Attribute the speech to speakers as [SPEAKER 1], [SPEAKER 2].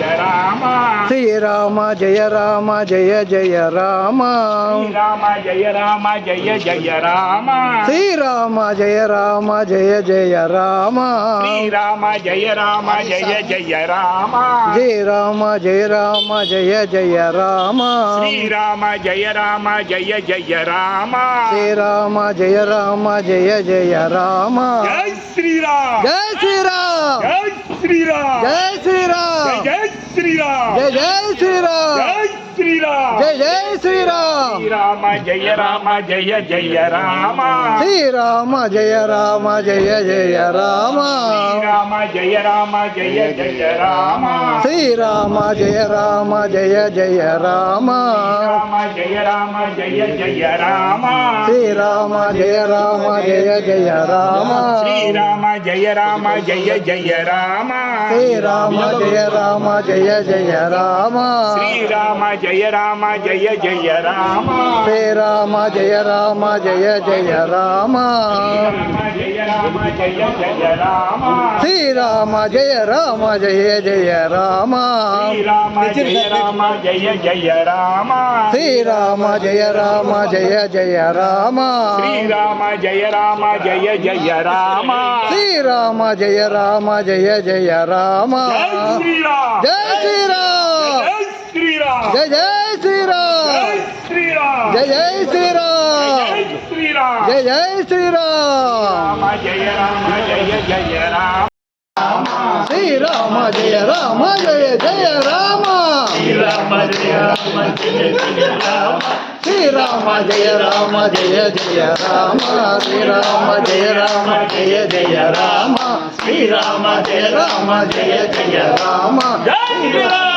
[SPEAKER 1] రామ
[SPEAKER 2] శ్రీరామ జయ రామ జయ జయ రామ
[SPEAKER 1] శ్రీరామ జయ రామ జయ జయ రామ
[SPEAKER 2] శ్రీరామ జయ రామ జయ జయ రామ
[SPEAKER 1] శ్రీరామ జయ రామ జయ జయ రామ
[SPEAKER 2] శ్రీరామ జయ రామ జయ జయ రామ
[SPEAKER 1] శ్రీరామ జయ రామ జయ జయ రామ
[SPEAKER 2] శ్రీరామ జయ రామ జయ జయ రామ
[SPEAKER 1] జై శ్రీరామ్
[SPEAKER 2] జై శ్రీరామ్
[SPEAKER 1] జై శ్రీరామ్
[SPEAKER 2] జై శ్రీరామ్
[SPEAKER 1] జై శ్రీరామ్
[SPEAKER 2] జై జై శ్రీరామ్
[SPEAKER 1] జై శ్రీరామ్
[SPEAKER 2] జై జై శ్రీరామ్
[SPEAKER 1] శ్రీరామ జయ రామ జయ జయ రామ
[SPEAKER 2] శ్రీరామ జయ రామ జయ జయ రామ
[SPEAKER 1] శ్రీరామ జయ రామ జయ జయ రామ
[SPEAKER 2] శ్రీరామ జయ రామ జయ జయ రామ
[SPEAKER 1] రామ జయ రామ జయ జయ రామ
[SPEAKER 2] శ్రీరామ జయ రామ జయ జయ రామ
[SPEAKER 1] శ్రీరామ జయ రామ జయ జయ రామ
[SPEAKER 2] శ్రీరామ జయ రామ జయ జయ రామ
[SPEAKER 1] శ్రీరామ జయ రామ జయ జయ రామ
[SPEAKER 2] శ్రీరామ జయ రామ జయ జయ రామ
[SPEAKER 1] జయ రామ జయ జయ రామ
[SPEAKER 2] శ్రీరామ జయ రామ జయ జయ రామ
[SPEAKER 1] శ్రీరామ జయ రామ జయ జయ రామ
[SPEAKER 2] శ్రీరామ జయ రామ జయ జయ రామ
[SPEAKER 1] శ్రీరామ జయ రామ జయ జయ రామ
[SPEAKER 2] శ్రీరామ జయ రామ జయ జయ రామ
[SPEAKER 1] జై శ్రీరామ్
[SPEAKER 2] జయ శ్రీరామ్
[SPEAKER 1] జై శ్రీరామ్
[SPEAKER 2] జయ జయ శ్రీరామ్
[SPEAKER 1] జై శ్రీరామ్
[SPEAKER 2] జయ జయ శ్రీరామ్
[SPEAKER 1] రామ జయ రామ జయ జయ రామ
[SPEAKER 2] శ్రీరామ జయ రామ జయ జయ రామ
[SPEAKER 1] శ్రీరామ జయ రామ జయ జయ రామ
[SPEAKER 2] శ్రీరామ జయ రామ జయ జయ రామ శ్రీరామ జయ రామ జయ జయ రామ శ్రీరామ జయ రామ జయ జయ రామ
[SPEAKER 1] జై శ్రీరామ్